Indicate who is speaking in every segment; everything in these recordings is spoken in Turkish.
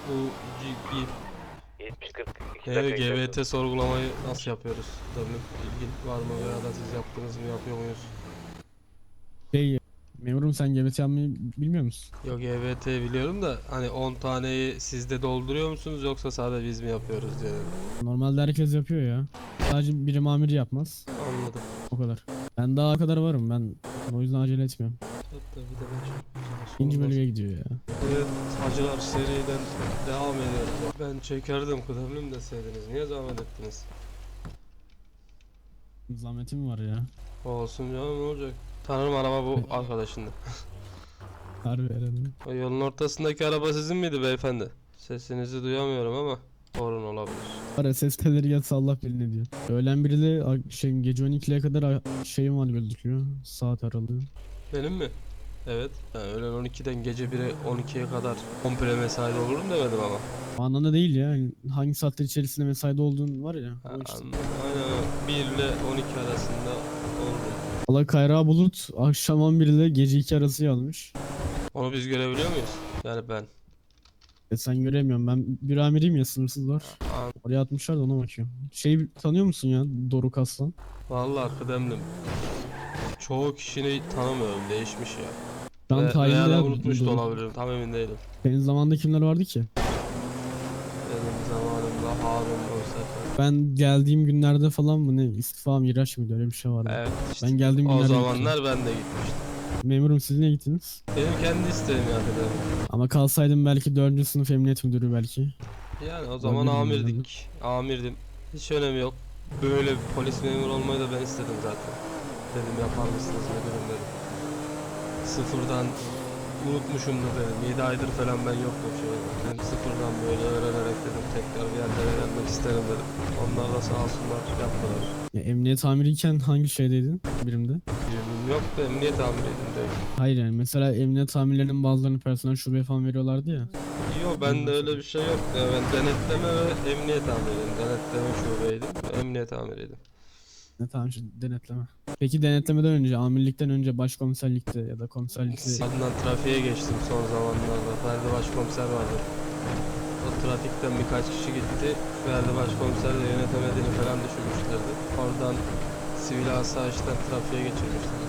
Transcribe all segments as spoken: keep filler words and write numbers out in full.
Speaker 1: Bu G-
Speaker 2: yetmiş kırk iki
Speaker 1: G-
Speaker 2: dakika
Speaker 1: G V
Speaker 2: içeride.
Speaker 1: T sorgulamayı nasıl yapıyoruz? Tabii ilgin var mı veya da siz yaptınız mı, yapıyor muyuz?
Speaker 3: Şey, memurum sen G B T yapmayı bilmiyor musun?
Speaker 1: Yok, G V T biliyorum da hani on taneyi siz de dolduruyor musunuz yoksa sadece biz mi yapıyoruz diye dedim.
Speaker 3: Normalde herkes yapıyor ya. Sadece biri mamiri yapmaz.
Speaker 1: Anladım.
Speaker 3: O kadar. Ben daha o kadar varım. Ben o yüzden acele etmiyorum.
Speaker 1: Hatta bir de ben çok güzel
Speaker 3: İkinci
Speaker 1: sormaz.
Speaker 3: bölüye gidiyor ya.
Speaker 1: Evet, Hacılar seriden devam ediyoruz. Ben çekerdim, kıdemlim deseydiniz. Niye zahmet ettiniz?
Speaker 3: Zahmetim var ya.
Speaker 1: Olsun canım, ne olacak? Tanırım, araba bu arkadaşındı.
Speaker 3: Harbi herhalde.
Speaker 1: O yolun ortasındaki araba sizin miydi beyefendi? Sesinizi duyamıyorum ama sorun olabilir.
Speaker 3: Ara ses teleri yatsa Allah bilir ne diyor. Öğlen biri de a- şey, gece on ikiye kadar a- şeyim var gözüküyor. Saat aralığı.
Speaker 1: Benim mi? Evet. Yani öğlen on ikiden gece bire on ikiye kadar komple mesaide olurum demedim ama.
Speaker 3: O anlamda değil ya. Yani hangi saatler içerisinde mesaide olduğun var ya.
Speaker 1: Ha,
Speaker 3: O işte.
Speaker 1: anladım. Aynen, bir ile on iki arasında olurum.
Speaker 3: Allah Kayra Bulut akşam on bir ile gece iki arası yazmış.
Speaker 1: Onu biz görebiliyor muyuz? Yani ben.
Speaker 3: E sen göremiyorum. Ben bir amiriyim ya, sınırsız var.
Speaker 1: An-
Speaker 3: Oraya atmışlar da ona bakıyorum. Şey tanıyor musun ya, Doruk Aslan?
Speaker 1: Vallahi kıdemlim. Çoğu kişini tanımıyorum. Değişmiş ya.
Speaker 3: Şu an
Speaker 1: Ve,
Speaker 3: tayinde
Speaker 1: veya da
Speaker 3: ya
Speaker 1: unutmuş da
Speaker 3: Doruk.
Speaker 1: olabilirim. Tam emin değilim.
Speaker 3: Senin zamanında kimler vardı ki?
Speaker 1: Benim zamanımda Harun Konser.
Speaker 3: Ben geldiğim günlerde falan mı ne, istifa miraç mıydı, öyle bir şey vardı.
Speaker 1: Evet işte.
Speaker 3: Ben geldiğim
Speaker 1: O
Speaker 3: günlerde
Speaker 1: zamanlar ben de gitmiştim.
Speaker 3: gittim. Memurum, siz ne gittiniz?
Speaker 1: Benim kendi isteğim ya kıdemlim.
Speaker 3: Ama kalsaydım belki dördüncü sınıf emniyet müdürü belki.
Speaker 1: Yani o zaman
Speaker 3: Olabilir mi
Speaker 1: amirdik. Amirdim. Hiç önemi yok. Böyle bir polis memuru olmayı da ben istedim zaten. Dedim yapar mısınız müdürüm dedim. Sıfırdan unutmuşumdur dedim. yedi aydır falan ben yoktum şöyle. Dedim sıfırdan böyle öğrenerek dedim tekrar bir yerlere gelmek isterim dedim. Onlar da sağ olsunlar yaptılar.
Speaker 3: Ya, emniyet amiriyken hangi şeydeydin birimde?
Speaker 1: Birimim yok da emniyet amiriydim de.
Speaker 3: Hayır, yani mesela emniyet amirlerinin bazılarını personel şubeye falan veriyorlardı ya.
Speaker 1: Yok, bende öyle bir şey yok. Ya ben denetleme ve emniyet amiriydim. Denetleme şubeydim ve emniyet amiriydim.
Speaker 3: Ne tamam, şu denetleme. Peki denetlemeden önce, amirlikten önce başkomiserlikte ya da komiserlikte
Speaker 1: Adnan trafiğe geçtim son zamanlarda. Ferdi Başkomiser vardı. O trafikten birkaç kişi gitti. Ferdi Başkomiser de yönetemediğini falan düşünmüşlerdi. Oradan sivil asayişten trafiğe geçirmişler.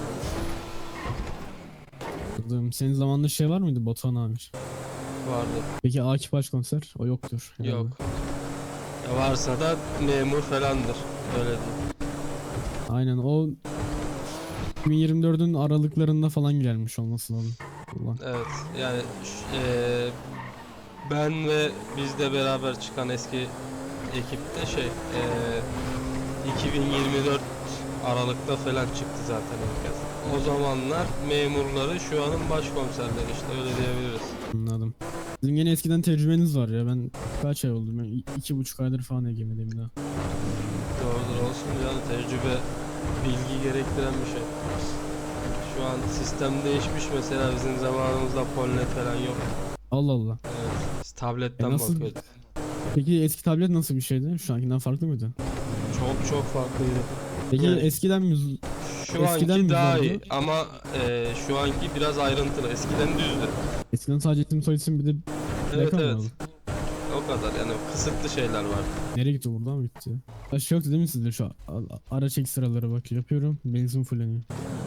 Speaker 3: yaptım. Senin zamanında şey var mıydı, Batuhan amir?
Speaker 1: Vardı.
Speaker 3: Peki Akif başkomiser? O yoktur herhalde.
Speaker 1: Yok. Ya varsa da memur falandır. Öyle diyeyim.
Speaker 3: Aynen, o iki bin yirmi dördün aralıklarında falan gelmiş olması lazım. Ulan.
Speaker 1: Evet. Yani ş- eee, ben ve bizle beraber çıkan eski ekipte şey eee iki bin yirmi dört Aralık'ta falan çıktı zaten herkes. O zamanlar memurları şu anın başkomiserleri işte, öyle diyebiliriz.
Speaker 3: Anladım. Sizin yine eskiden tecrübeniz var ya, ben kaç ay oldu? Ben i- iki buçuk aydır falan egemedeyim daha.
Speaker 1: Doğrudur, olsun yani, tecrübe bilgi gerektiren bir şey. Şu an sistem değişmiş mesela, bizim zamanımızda polnet falan yok.
Speaker 3: Allah Allah.
Speaker 1: Evet, biz tabletten
Speaker 3: E nasıl-
Speaker 1: bakıyorduk.
Speaker 3: Peki eski tablet nasıl bir şeydi? Şu ankinden farklı mıydı?
Speaker 1: Çok çok farklıydı.
Speaker 3: Peki
Speaker 1: Yani-
Speaker 3: eskiden mi? z-
Speaker 1: Şu
Speaker 3: Eskiden
Speaker 1: anki
Speaker 3: mi
Speaker 1: daha
Speaker 3: zordu?
Speaker 1: iyi ama eee, şu anki biraz ayrıntılı. Eskiden düzdü.
Speaker 3: Eskiden sadece isim soy isim bir de
Speaker 1: Evet
Speaker 3: plaka mı
Speaker 1: evet.
Speaker 3: vardı?
Speaker 1: O kadar yani, kısıtlı şeyler var.
Speaker 3: Nereye gitti, buradan mı gitti? Ya şey yoktu değil mi sizde, şu a- a- araç ekstraları bak yapıyorum, benzin fulleniyor.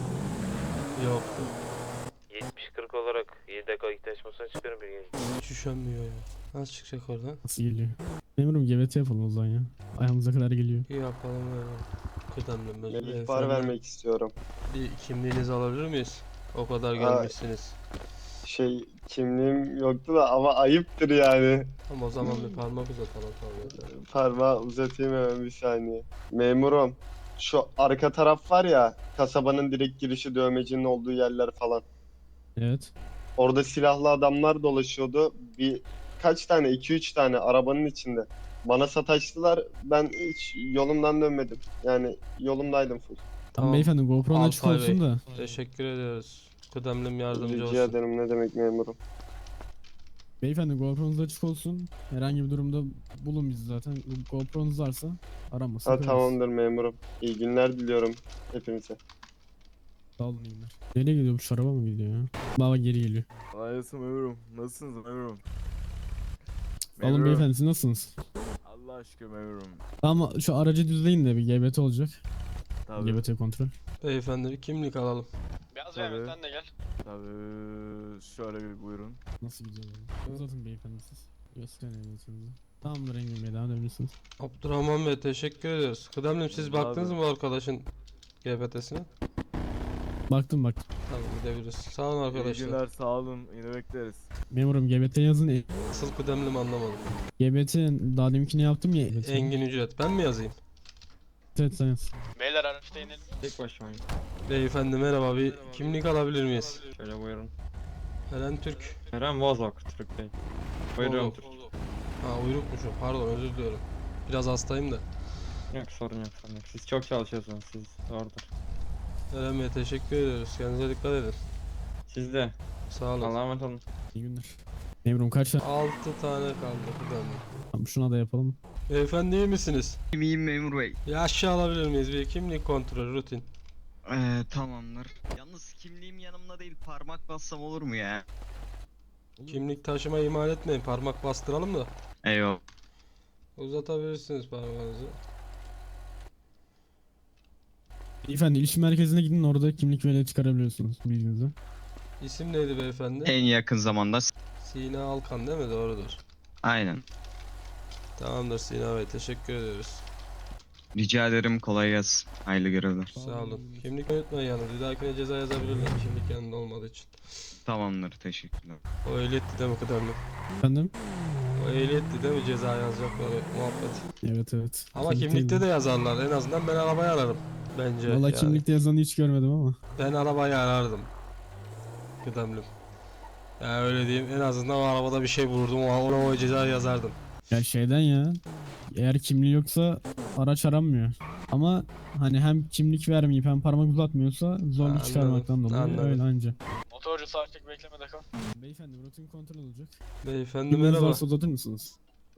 Speaker 1: Yoktu.
Speaker 2: yetmiş kırk olarak yedi dakika ihtiyaçmasına çıkıyorum bir gece.
Speaker 1: Hiç üşenmiyor ya. Nasıl çıkacak oradan?
Speaker 3: Nasıl geliyor? Memurum G B T yapalım o zaman ya. Ayağımıza kadar geliyor.
Speaker 1: İyi yapalım ya. Kıdemli
Speaker 4: Ben
Speaker 1: mezun.
Speaker 4: ihbar vermek istiyorum.
Speaker 1: Bir kimliğinizi alabilir miyiz? O kadar
Speaker 4: Aa.
Speaker 1: gelmişsiniz.
Speaker 4: Şey, kimliğim yoktu da ama ayıptır yani.
Speaker 1: Ama o zaman bir parmak uzatalım tabii.
Speaker 4: Parmağı uzatayım hemen bir saniye. Memurum, şu arka taraf var ya, kasabanın direkt girişi, dövmecinin olduğu yerler falan.
Speaker 3: Evet.
Speaker 4: Orada silahlı adamlar dolaşıyordu. Bir kaç tane, iki üç tane arabanın içinde. Bana sataştılar. Ben hiç yolumdan dönmedim. Yani yolumdaydım full.
Speaker 3: Tamam,
Speaker 1: Tamam.
Speaker 3: beyefendi, GoPro'nun açık
Speaker 1: Alpay
Speaker 3: olsun
Speaker 1: Bey,
Speaker 3: da.
Speaker 1: teşekkür ediyoruz. Kıdemlim yardımcı
Speaker 4: Rica
Speaker 1: olsun.
Speaker 4: ederim, ne demek memurum.
Speaker 3: Beyefendi, GoPro'nuz açık olsun. Herhangi bir durumda bulun bizi zaten. GoPro'nuz varsa aramasın.
Speaker 4: Ha,
Speaker 3: koyarız.
Speaker 4: tamamdır memurum. İyi günler diliyorum hepinize.
Speaker 3: Sağ olun, iyi günler. Nereye gidiyor bu, şu araba mı gidiyor ya? Baba geri geliyor.
Speaker 5: Ayasım memurum. Nasılsınız memurum?
Speaker 3: Alın
Speaker 5: Memurum.
Speaker 3: beyefendi, siz nasılsınız?
Speaker 5: Allah aşkına memurum.
Speaker 3: Ama şu aracı düzleyin de bir G B T olacak.
Speaker 5: Tabii.
Speaker 3: G B T kontrol.
Speaker 1: Beyefendi bir kimlik alalım.
Speaker 6: Beyaz
Speaker 5: Tabii.
Speaker 6: Mehmet sen de gel.
Speaker 5: Tabii. Şöyle bir buyurun.
Speaker 3: Nasıl gidiyor? Uzatın beyefendi siz. Gösterin ehliyetinizi. Tamamdır Engin Bey, devam edebilirsiniz.
Speaker 1: Abdurrahman Bey teşekkür ediyoruz. Kıdemlim siz
Speaker 5: Abi.
Speaker 1: baktınız mı bu arkadaşın G B T'sine?
Speaker 3: Baktım baktım.
Speaker 1: Tamam gidebiliriz. Sağ olun
Speaker 5: İyi
Speaker 1: arkadaşlar.
Speaker 5: günler, sağ olun. Yine bekleriz.
Speaker 3: Memurum G B T yazın. E,
Speaker 1: Asıl kıdemlim anlamadım.
Speaker 3: G B T daha deminkini yaptım ya. Evet,
Speaker 1: Engin ücret ben mi yazayım?
Speaker 3: evet sen yaz.
Speaker 6: Beyler araçta inelim.
Speaker 7: Tek başımayım.
Speaker 1: Beyefendi merhaba, bir kimlik alabilir miyiz?
Speaker 7: Şöyle buyurun.
Speaker 1: Eren Türk.
Speaker 7: Eren Vazok Türk Bey. Buyurun
Speaker 1: Oğlum.
Speaker 7: Türk.
Speaker 1: Ha uyrukmuşum, pardon, özür diliyorum. Biraz hastayım da.
Speaker 7: Yok sorun yok sorun yok. Siz çok çalışıyorsunuz siz. Doğrudur.
Speaker 1: Eren Bey teşekkür ediyoruz. Kendinize dikkat edin.
Speaker 7: Siz de.
Speaker 1: Sağ olun.
Speaker 7: Allah'a emanet olun.
Speaker 3: İyi günler. Memurum kaç tane?
Speaker 1: altı tane kaldı kıdemlim.
Speaker 3: Tamam, şuna da yapalım.
Speaker 1: Beyefendi iyi misiniz?
Speaker 8: İyiyim memur bey.
Speaker 1: Bir aşağı alabilir miyiz? Bir kimlik kontrolü rutin.
Speaker 8: Ee, tamamdır. Yalnız kimliğim yanımda değil, parmak bassam olur mu ya?
Speaker 1: Kimlik taşıma ihmal etmeyin. Parmak bastıralım da.
Speaker 8: Eyvallah.
Speaker 1: Uzatabilirsiniz parmağınızı.
Speaker 3: Beyefendi ilişki merkezine gidin, orada kimlik ve çıkarabiliyorsunuz bilginizi.
Speaker 1: İsim neydi beyefendi?
Speaker 8: En yakın zamanda.
Speaker 1: Sina Alkan değil mi? Doğrudur.
Speaker 8: Aynen.
Speaker 1: Tamamdır Sina Bey, teşekkür ediyoruz.
Speaker 8: Rica ederim, kolay gelsin. Hayırlı görevler.
Speaker 1: Sağ olun. Kimlik unutmayın yalnız. Bir dahakine ceza yazabilirler kimlik yanında olmadığı için.
Speaker 8: Tamamdır, teşekkürler.
Speaker 1: O ehliyetti değil mi kıdemli?
Speaker 3: Efendim?
Speaker 1: O ehliyetti değil mi ceza yazacakları muhabbet?
Speaker 3: Evet evet.
Speaker 1: Ama
Speaker 3: Kimlik
Speaker 1: kimlikte
Speaker 3: değil
Speaker 1: de yazarlar. En azından ben arabayı ararım. Bence
Speaker 3: mi? Valla
Speaker 1: yani.
Speaker 3: kimlikte yazanı hiç görmedim ama.
Speaker 1: Ben arabayı arardım. Kıdemlim. Yani öyle diyeyim. En azından o arabada bir şey bulurdum. O, ona o ceza yazardım.
Speaker 3: Ya şeyden ya. Eğer kimliği yoksa araç aranmıyor. Ama hani hem kimlik vermeyip hem parmak uzatmıyorsa zorluk
Speaker 1: Anladım,
Speaker 3: çıkarmaktan dolayı
Speaker 1: anladım.
Speaker 3: öyle anca.
Speaker 6: Motorcu sağ çek beklemede kal.
Speaker 3: Beyefendi rutin kontrol olacak.
Speaker 1: Beyefendi
Speaker 3: Kimliğiniz
Speaker 1: merhaba.
Speaker 3: varsa uzatır mısınız?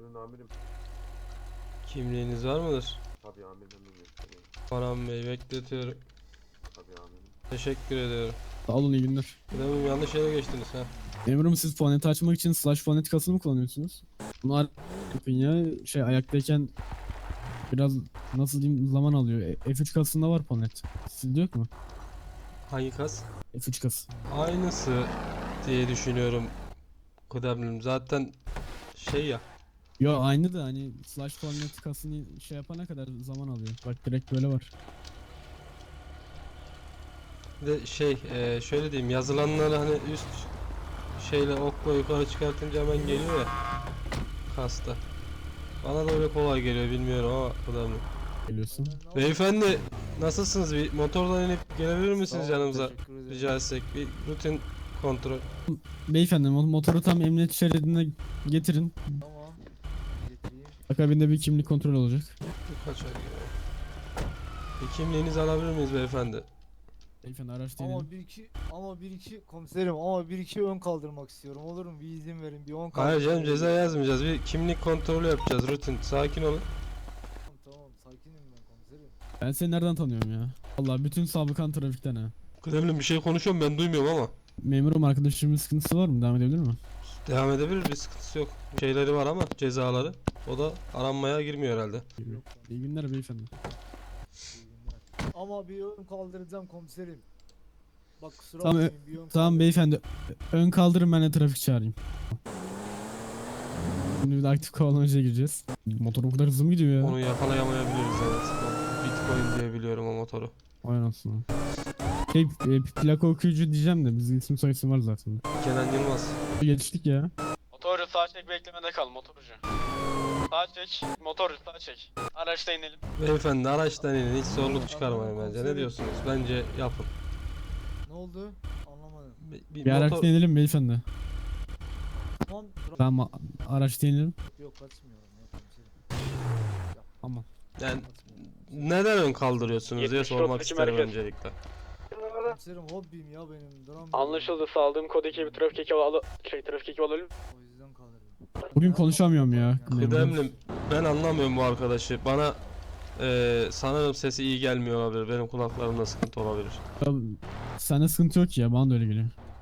Speaker 1: Kimliğiniz var mıdır?
Speaker 5: Tabii amirim.
Speaker 1: Orhan Bey bekletiyorum.
Speaker 5: Tabii amirim.
Speaker 1: Teşekkür ediyorum.
Speaker 3: Sağ olun, iyi günler.
Speaker 1: Kıdemlim yanlış yere geçtiniz ha.
Speaker 3: Memurum siz foneti açmak için slash fonetikasını mı kullanıyorsunuz? Bunlar yapın ya, şey ayaktayken biraz nasıl diyeyim zaman alıyor. E, F üç kasında var fonet. Sizde yok mu?
Speaker 1: Hangi kas?
Speaker 3: F üç kası.
Speaker 1: Aynısı diye düşünüyorum kıdemlim. Zaten şey ya.
Speaker 3: Yo aynı da hani slash fonetikasını şey yapana kadar zaman alıyor. Bak direkt böyle var.
Speaker 1: Bir de şey e, şöyle diyeyim, yazılanları hani üst şeyle okla yukarı çıkartınca hemen geliyor ya kasta. Bana da öyle kolay geliyor, bilmiyorum ama kıdemlim.
Speaker 3: Geliyorsun.
Speaker 1: Beyefendi nasılsınız? Bir motordan inip gelebilir misiniz yanımıza? Rica etsek bir rutin kontrol.
Speaker 3: Beyefendi mo- motoru tam emniyet şeridine getirin.
Speaker 9: Tamam. Getireyim.
Speaker 3: Akabinde bir kimlik kontrol olacak.
Speaker 1: Kaç ay geliyor? Bir kimliğinizi alabilir miyiz beyefendi?
Speaker 3: Beyefendi araç değil.
Speaker 9: Ama bir iki ama bir iki komiserim ama bir iki ön kaldırmak istiyorum. Olur mu? Bir izin verin. Bir ön
Speaker 1: Hayır
Speaker 9: kaldırmak.
Speaker 1: canım, ceza yazmayacağız. Bir kimlik kontrolü yapacağız, rutin. Sakin olun.
Speaker 9: Tamam, tamam sakinim ben komiserim.
Speaker 3: Ben seni nereden tanıyorum ya? Allah bütün sabıkan trafikten ha.
Speaker 1: Kıdemlim bir şey konuşuyorum, ben duymuyorum ama.
Speaker 3: Memurum arkadaşımın sıkıntısı var mı? Devam edebilir mi?
Speaker 1: Devam edebilir, bir sıkıntısı yok. Şeyleri var ama cezaları. O da aranmaya girmiyor herhalde.
Speaker 3: İyi günler beyefendi.
Speaker 9: İyi günler. Ama bir ön kaldıracağım komiserim. Bak kusura
Speaker 3: Tamam,
Speaker 9: bakmayın bir ön
Speaker 3: Tamam
Speaker 9: kaldıracağım.
Speaker 3: beyefendi. Ön kaldırın, ben de trafik çağırayım. Şimdi bir de aktif kovalamacaya gireceğiz. Motor o kadar hızlı mı gidiyor ya?
Speaker 1: Onu yakalayamayabiliriz, evet. O Bitcoin diye biliyorum o motoru.
Speaker 3: Vay anasını. Şey e, plaka okuyucu diyeceğim de bizim isim soy isim var zaten.
Speaker 1: Kenan Yılmaz.
Speaker 3: Geçtik ya.
Speaker 6: Motorcu sağ çek beklemede kal motorcu. Sağ çek. Motorcu sağ çek. Araçta inelim.
Speaker 1: Beyefendi araçtan inin, hiç zorluk çıkarmayın bence. Ne diyorsunuz? Bence yapın.
Speaker 9: Ne oldu? Anlamadım.
Speaker 1: Bir, bir
Speaker 3: Bir
Speaker 1: motor...
Speaker 3: araçta inelim beyefendi.
Speaker 9: Tamam. dur-
Speaker 3: Tamam a- araçta inelim.
Speaker 9: Yok kaçmıyorum ya komiserim.
Speaker 3: Tamam.
Speaker 1: Yani
Speaker 9: Kaçmıyorum.
Speaker 1: neden ön kaldırıyorsunuz diye
Speaker 2: yetmiş
Speaker 1: sormak
Speaker 2: otuz iki
Speaker 1: isterim
Speaker 2: merkez.
Speaker 1: öncelikle.
Speaker 9: Komiserim hobim ya benim. Duramıyorum.
Speaker 6: Anlaşıldı. Saldığım kod ekibi trafik ekibi al şey trafik ekibi alalım.
Speaker 9: O yüzden kaldırıyorum.
Speaker 3: Bugün konuşamıyorum ya.
Speaker 1: Kıdemlim, ben anlamıyorum bu arkadaşı. Bana eee sanırım sesi iyi gelmiyor olabilir. Benim kulaklarımda sıkıntı olabilir.
Speaker 3: Ya, sende sıkıntı yok ki ya, bana da öyle geliyor.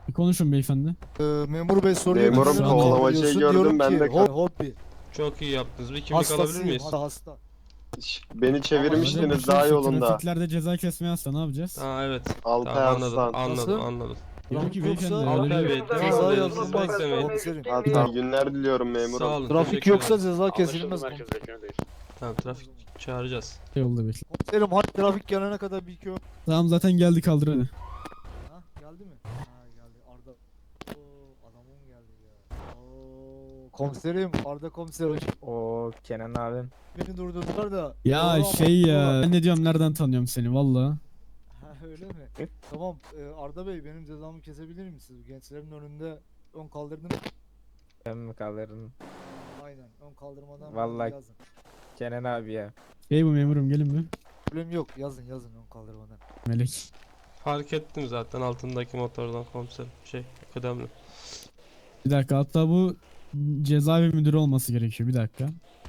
Speaker 3: Bir konuşun beyefendi.
Speaker 9: Ee, memur bey soruyor.
Speaker 4: Memurum,
Speaker 9: neden
Speaker 3: kovalamacayı
Speaker 9: kaldırıyorsun?
Speaker 4: gördüm,
Speaker 9: Diyorum
Speaker 4: ben
Speaker 9: ki,
Speaker 4: de
Speaker 9: "Ho- Hobby.
Speaker 1: Çok iyi yaptınız. Bir kimlik alabilir
Speaker 9: Hastasıyım.
Speaker 1: miyiz?
Speaker 9: Hasta hasta.
Speaker 4: Şş, Beni
Speaker 3: Hadi
Speaker 4: çevirmiştiniz
Speaker 3: bakayım,
Speaker 4: daha
Speaker 3: şu
Speaker 4: yolunda.
Speaker 3: Trafiklerde ceza kesmeye hasta ne yapacağız?
Speaker 1: Aa evet.
Speaker 4: Altay
Speaker 1: Tamam, anladım.
Speaker 4: Aslan.
Speaker 1: Anladım,
Speaker 9: Nasıl?
Speaker 1: anladım.
Speaker 3: Diyor ki
Speaker 9: Trafik
Speaker 3: beyefendi
Speaker 9: yoksa-
Speaker 3: öyle
Speaker 1: Altay
Speaker 3: bir-
Speaker 1: Bey,
Speaker 9: Ceza
Speaker 1: devam edelim. Siz
Speaker 9: yazılmaz.
Speaker 1: beklemeyin.
Speaker 9: Komiserim.
Speaker 4: Hatta günler diliyorum memurum.
Speaker 1: Sağ olun.
Speaker 9: Trafik
Speaker 1: teşekkür
Speaker 9: yoksa
Speaker 1: ederim.
Speaker 9: ceza
Speaker 6: Anlaşıldı,
Speaker 9: kesilmez.
Speaker 6: merkez beklemedeyiz.
Speaker 1: Tamam, trafik çağıracağız.
Speaker 3: yolda bekle.
Speaker 9: Komiserim hadi trafik gelene kadar bir iki ön-
Speaker 3: Tamam zaten geldi kaldır hadi.
Speaker 9: Ha geldi mi? Ha geldi. Arda. Oo adamım geldi ya. Oo komiserim Arda komiser hoş.
Speaker 7: O Kenan abim.
Speaker 9: Beni durdurdular da.
Speaker 3: Ya
Speaker 9: Doğru
Speaker 3: şey
Speaker 9: ama-
Speaker 3: ya ben ne diyorum nereden tanıyorum seni valla.
Speaker 9: Ha öyle mi? Tamam e, Arda Bey benim cezamı kesebilir misiniz? Gençlerin önünde ön kaldırdınız.
Speaker 7: Ben mi kaldırdım?
Speaker 9: Aynen ön kaldırmadan
Speaker 7: Vallahi-
Speaker 9: yazın.
Speaker 7: Kenan abi ya.
Speaker 3: Hey bu memurum gelin mi?
Speaker 9: Problem yok yazın yazın ön kaldırmadan.
Speaker 3: Melek.
Speaker 1: Fark ettim zaten altındaki motordan komiserim. Şey, kıdemli.
Speaker 3: Bir dakika hatta bu cezaevi müdürü olması gerekiyor bir dakika.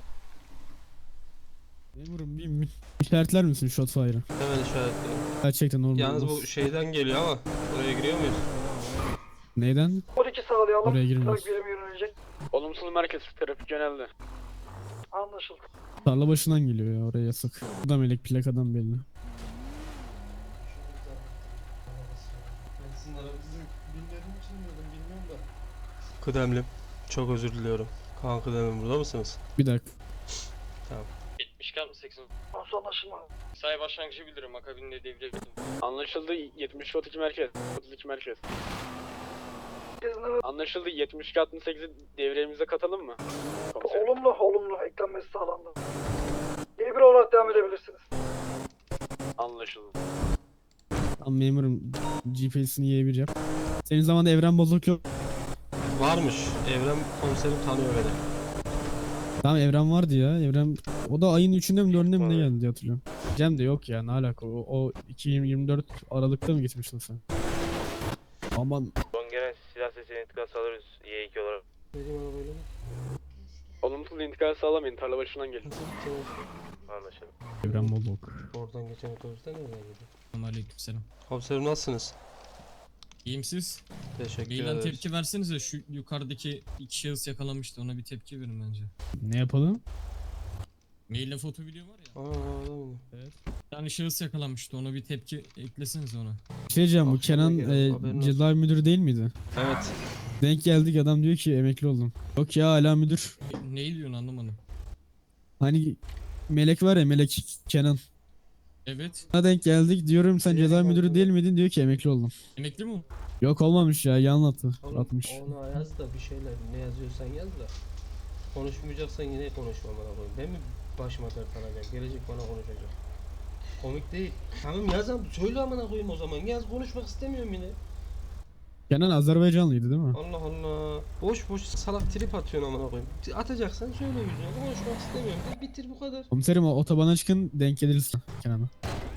Speaker 3: Memurum bir mü- işaretler misin Shotfire'ı?
Speaker 1: Hemen işaretliyorum.
Speaker 3: Gerçekten normal.
Speaker 1: Yalnız
Speaker 3: olmaz.
Speaker 1: bu şeyden geliyor ama buraya giriyor muyuz?
Speaker 3: Neyden?
Speaker 6: on iki sağlayalım.
Speaker 3: Oraya girmiyoruz.
Speaker 6: birimi yönelecek. Olumsuz merkez trafik yöneldi. Anlaşıldı.
Speaker 3: Tarla başından geliyor ya oraya yasak. Bu da melek plakadan belli.
Speaker 1: Kıdemlim. Çok özür diliyorum. Kaan Kıdemlim, burada mısınız?
Speaker 3: Bir dakika.
Speaker 6: yetmiş iki altmış seksen. Nasıl anlaşılma? Say başlangıcı bildiriyorum. Akabinde devre Anlaşıldı yetmiş otuz iki merkez. otuz iki merkez. Anlaşıldı yetmiş iki altmış sekizi devremize katalım mı? Komiserim.
Speaker 10: Olumlu, olumlu. Eklenmesi sağlandı. İyi bir olarak devam edebilirsiniz.
Speaker 6: Anlaşıldı.
Speaker 3: Tamam memurum G P S'ini Y bir yap. Senin zamanda evren bozuk yok.
Speaker 1: Varmış. Evrem komiserim tanıyor beni.
Speaker 3: Tamam evren vardı ya. Evren o da ayın üçünde mi dördünde mi ne geldi diye hatırlıyorum. Cem de yok ya ne alaka o, o iki bin yirmi dört Aralık'ta mı gitmiştin sen? Aman
Speaker 2: Son gelen silah sesini intikal sağlarız Y iki olarak.
Speaker 6: Olumsuz intikal sağlamayın. Tarla başından gelin.
Speaker 2: Anlaşıldı.
Speaker 3: evren bozuk.
Speaker 1: Oradan geçen otobüste nereden gidiyor?
Speaker 11: Aleykümselam.
Speaker 1: Komiserim nasılsınız?
Speaker 11: İyiyim siz?
Speaker 1: Teşekkür
Speaker 11: Meylen
Speaker 1: ederiz.
Speaker 11: tepki versenize şu yukarıdaki iki şahıs yakalanmıştı ona bir tepki verin bence.
Speaker 3: Ne yapalım?
Speaker 11: Meylen foto video var ya.
Speaker 1: Aa, öyle mi?
Speaker 11: Yani şahıs yakalanmıştı ona bir tepki eklesenize ona.
Speaker 3: Bir şey diyeceğim bu
Speaker 1: Akşama
Speaker 3: Kenan
Speaker 1: gelelim,
Speaker 3: e,
Speaker 1: haberin olsun.
Speaker 3: cezaevi müdürü değil miydi?
Speaker 1: Evet.
Speaker 3: Denk geldik adam diyor ki emekli oldum. Yok ya hala müdür.
Speaker 11: E, neyi diyorsun anlamadım.
Speaker 3: Hani Melek var ya Melek Kenan.
Speaker 11: Evet.
Speaker 3: Ona denk geldik diyorum sen cezaevi müdürü değil miydin diyor ki emekli oldum.
Speaker 11: Emekli mi o?
Speaker 3: Yok olmamış ya yan attı.
Speaker 1: Oğlum,
Speaker 3: Atmış.
Speaker 1: ona yaz da bir şeyler ne yazıyorsan yaz da. Konuşmayacaksan yine konuşma bana koyayım. Ben mi başıma dert alacağım? Gelecek bana konuşacak. Komik değil. Tamam yaz ama söyle amına koyayım o zaman. Yaz, konuşmak istemiyorum yine.
Speaker 3: Kenan Azerbaycanlıydı değil mi?
Speaker 1: Allah Allah. Boş boş salak trip atıyorsun amına koyayım. Atacaksan söyle yüzüne. Konuşmak istemiyorum. De bitir bu kadar.
Speaker 3: Komiserim o otobana çıkın denk geliriz Kenan'a.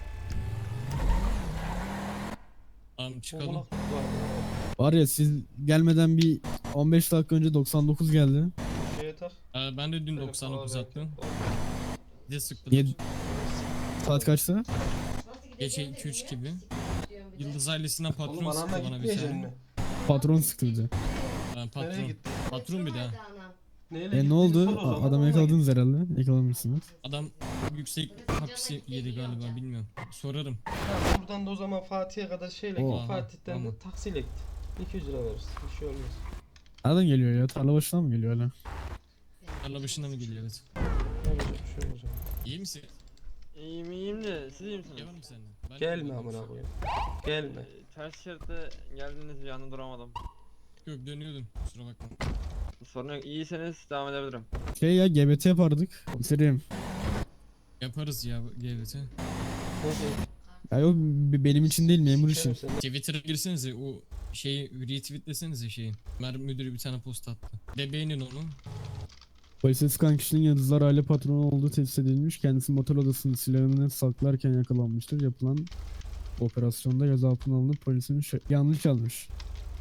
Speaker 11: Tamam çıkalım.
Speaker 1: Oğlak var.
Speaker 3: Var ya siz gelmeden bir on beş dakika önce doksan dokuz geldi.
Speaker 1: Şeye tak.
Speaker 11: Ee, ben de dün
Speaker 1: Telefon
Speaker 11: doksan dokuz
Speaker 1: al,
Speaker 11: attım.
Speaker 1: belki.
Speaker 11: Bir de sıktılar.
Speaker 3: Niye? Saat kaçta?
Speaker 11: Gece iki üç gibi. Yıldız ailesinden patron
Speaker 1: Oğlum
Speaker 11: sıktı
Speaker 1: anamla
Speaker 11: bana bir
Speaker 1: gitmeyeceksin
Speaker 11: tane.
Speaker 1: mi?
Speaker 3: Patron sıktı bize.
Speaker 11: Ha,
Speaker 1: Nereye
Speaker 11: patron.
Speaker 1: gittin?
Speaker 11: Patron bir daha.
Speaker 1: Neyle
Speaker 3: E
Speaker 1: gittiğini
Speaker 3: ne oldu?
Speaker 1: sor o zaman,
Speaker 3: A- Adamı
Speaker 1: onunla
Speaker 3: yakaladınız herhalde. Yakalamışsınız.
Speaker 11: Adam yüksek hapsi yedi galiba bilmiyorum. Sorarım.
Speaker 1: git. Tamam, buradan da o zaman Fatih'e kadar şeyle
Speaker 3: Oha,
Speaker 1: git. Fatih'ten
Speaker 11: tamam.
Speaker 1: de taksiyle git. iki yüz lira veririz. Bir şey olmaz.
Speaker 3: Nereden geliyor ya? Tarla başından mı geliyor hala?
Speaker 11: Tarla başına mı geliyor evet.
Speaker 1: Olacak bir şey olacak.
Speaker 11: İyi misin?
Speaker 7: İyiyim iyiyim de siz iyi misiniz?
Speaker 11: Gel mi seninle? Ben
Speaker 1: Gelme
Speaker 11: de-
Speaker 1: amına koyayım. Gelme.
Speaker 7: Ee, Ters şeritte geldiniz bir anda duramadım.
Speaker 11: Yok dönüyordum kusura bakma.
Speaker 7: Sorun yok iyiyseniz devam edebilirim.
Speaker 3: Şey ya G B T yapardık. Komiserim.
Speaker 11: Yaparız ya G B T.
Speaker 3: Ya yok b- benim için değil memur için.
Speaker 1: Sikerim seni.
Speaker 11: Twitter'a girsenize o şeyi retweetlesenize şeyi. Mer müdürü bir tane post attı. De beğenin onu.
Speaker 3: Polise sıkan kişinin Yıldızlar aile patronu olduğu tespit edilmiş. Kendisi motor odasında silahını saklarken yakalanmıştır. Yapılan operasyonda gözaltına alınıp polisin şö- yanlış yazmış.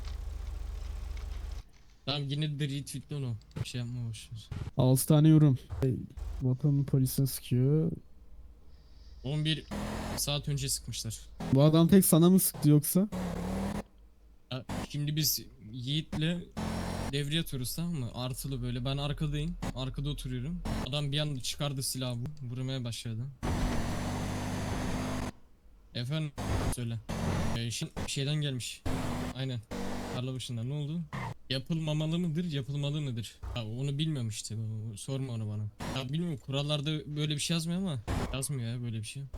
Speaker 11: Tamam yine de retweetle onu. Bir şey yapma boşver.
Speaker 3: altı tane yorum. Hey, Vatanın polise sıkıyor.
Speaker 11: on bir saat önce sıkmışlar.
Speaker 3: Bu adam tek sana mı sıktı yoksa?
Speaker 11: Ya, Şimdi biz Yiğit'le devriye atıyoruz, tamam mı? Artılı böyle. Ben arkadayım. Arkada oturuyorum. Adam bir anda çıkardı silahı, bu- vurmaya başladı. Efendim söyle. Ee, şimdi şeyden gelmiş. Aynen. Tarla başında ne oldu? Yapılmamalı mıdır, yapılmalı mıdır? Ya onu bilmiyorum işte. o- Sorma onu bana. Ya bilmiyorum, kurallarda böyle bir şey yazmıyor ama yazmıyor ya böyle bir şey.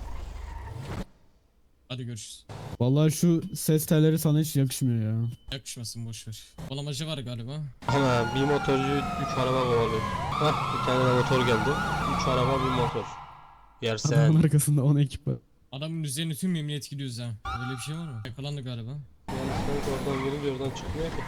Speaker 11: Hadi görüşürüz.
Speaker 3: Vallahi şu ses telleri sana hiç yakışmıyor ya.
Speaker 11: Yakışmasın, boş ver. Kolamacı var galiba.
Speaker 1: Ama bir motorcu üç araba kovalıyor. Hah, bir tane de motor geldi. üç araba bir motor. Yersen.
Speaker 3: Adamın arkasında on ekip var.
Speaker 11: Adamın üzerine tüm emniyet gidiyoruz ha. Böyle bir şey var mı? Yakalandı galiba.
Speaker 1: Yani sanki oradan girince oradan çıkmıyor ki.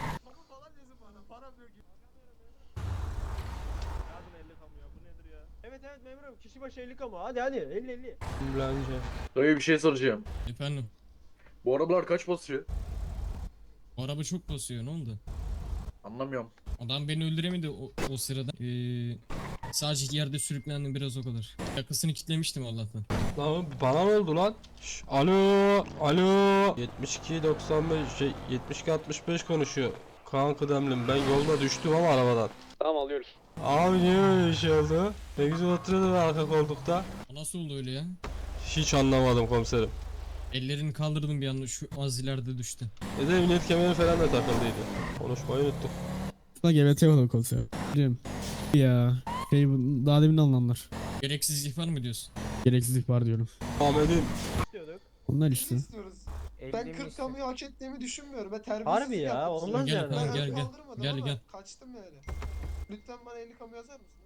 Speaker 6: Evet evet memurum, kişi başı elli kamu. Hadi hadi, elli elli.
Speaker 1: Bence.
Speaker 5: Dayı bir şey soracağım.
Speaker 11: Efendim.
Speaker 5: Bu arabalar kaç basıyor?
Speaker 11: O araba çok basıyor, ne oldu?
Speaker 5: Anlamıyorum.
Speaker 11: Adam beni öldüremedi o, o sırada. Ee, sadece yerde sürüklendim biraz, o kadar. Yakasını kitlemiştim Allah'tan.
Speaker 1: Lan bana ne oldu lan? Şş, alo, alo. yetmiş iki doksan beş şey yetmiş iki altmış beş konuşuyor. Kaan Kıdemlim, ben yolda düştüm ama arabadan.
Speaker 6: Tamam alıyoruz.
Speaker 1: Abi niye öyle bir şey oldu? Ne güzel oturuyordum arka koltukta.
Speaker 11: O nasıl oldu öyle ya?
Speaker 1: Hiç anlamadım komiserim.
Speaker 11: Ellerini kaldırdım bir anda, şu az ileride düştü.
Speaker 1: Bir de emniyet kemeri falan da takıldıydı. Konuşmayı unuttuk.
Speaker 3: Buna G B T olur konser. Biliyorum. Ya. Şey bu- daha demin alınanlar.
Speaker 11: Gereksiz ihbar mı diyorsun?
Speaker 3: Gereksizlik var diyorum.
Speaker 1: Ahmet'im.
Speaker 6: İstiyorduk.
Speaker 3: Onlar işte.
Speaker 6: Ben kırk kamu
Speaker 4: hak ettiğimi düşünmüyorum ve terbiyesizlik
Speaker 6: Harbi ya, olmaz
Speaker 11: Gel
Speaker 6: yani.
Speaker 11: bakalım, gel gel. Gel gel.
Speaker 4: Kaçtım yani. Lütfen bana elli kamu yazar mısınız?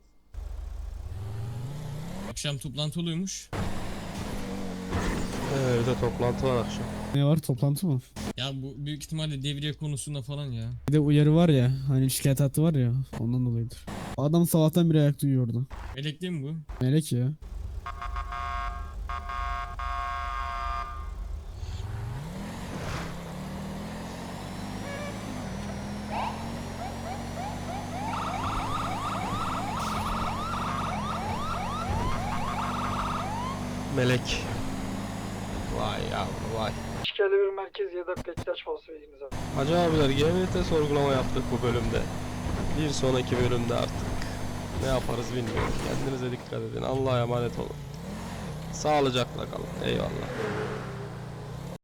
Speaker 11: Akşam toplantı oluyormuş.
Speaker 1: Ee, bir de toplantı var akşam.
Speaker 3: Ne var, toplantı mı?
Speaker 11: Ya bu büyük ihtimalle devriye konusunda falan ya.
Speaker 3: Bir de uyarı var ya, hani şikayet hattı var ya, ondan dolayıdır. Adam sabahtan beri ayakta uyuyordu.
Speaker 11: Melekli mi bu?
Speaker 3: Melek ya.
Speaker 1: Melek. Vay yavrum vay.
Speaker 10: İşgale bir merkez ya da ihtiyaç falso ilginize.
Speaker 1: Hacı abiler G M T sorgulama yaptık bu bölümde. Bir sonraki bölümde artık ne yaparız bilmiyorum. Kendinize dikkat edin. Allah'a emanet olun. Sağlıcakla kalın. Eyvallah.